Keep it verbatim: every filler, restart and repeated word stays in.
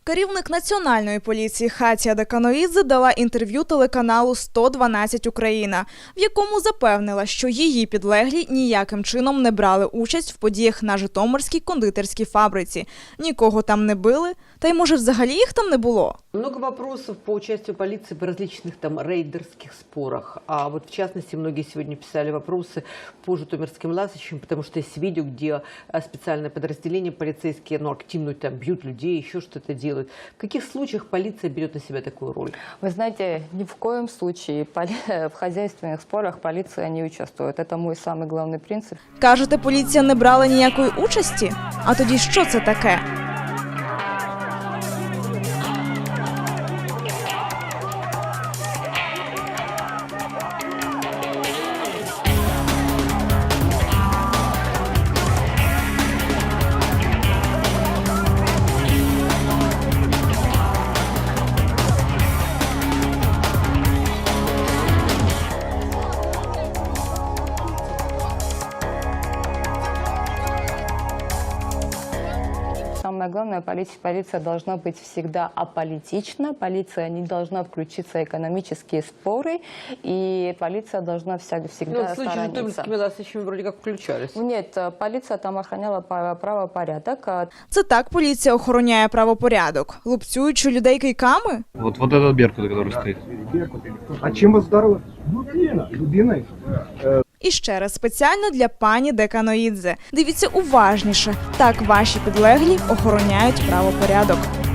Керівник Національної поліції Хатія Деканоїдзе дала інтерв'ю телеканалу сто дванадцять Україна, в якому запевнила, що її підлеглі ніяким чином не брали участь в подіях на Житомирській кондитерській фабриці. Нікого там не били, та й може взагалі їх там не було. Много вопросов по участию полиции в различных там рейдерских спорах. А вот в частности, многие сегодня писали вопросы по житомирским ласточкам, потому что есть видео, где специальное подразделение полицейские, ну, активно там бьют людей, еще что-то делают. В каких случаях полиция берет на себя такую роль? Вы знаете, ни в коем случае в хозяйственных спорах полиция не участвует. Это мой самый главный принцип. Кажете, поліція не брала ніякої участі? А тоді що це таке? Самое главное, полиция, полиция должна быть всегда аполитична, полиция не должна включиться в экономические споры, и полиция должна вся, всегда Ну, в случае с сторониться. житомирскими ласточками вроде как включались. Нет, полиция там охраняла правопорядок. Це так поліція охороняє правопорядок, лупцюючи людей кийками? Вот, вот этот Беркут, который стоит. А чем вас ударило? Дубина. Дубиной? І ще раз спеціально для пані Деканоїдзе. Дивіться уважніше. Так ваші підлеглі охороняють правопорядок.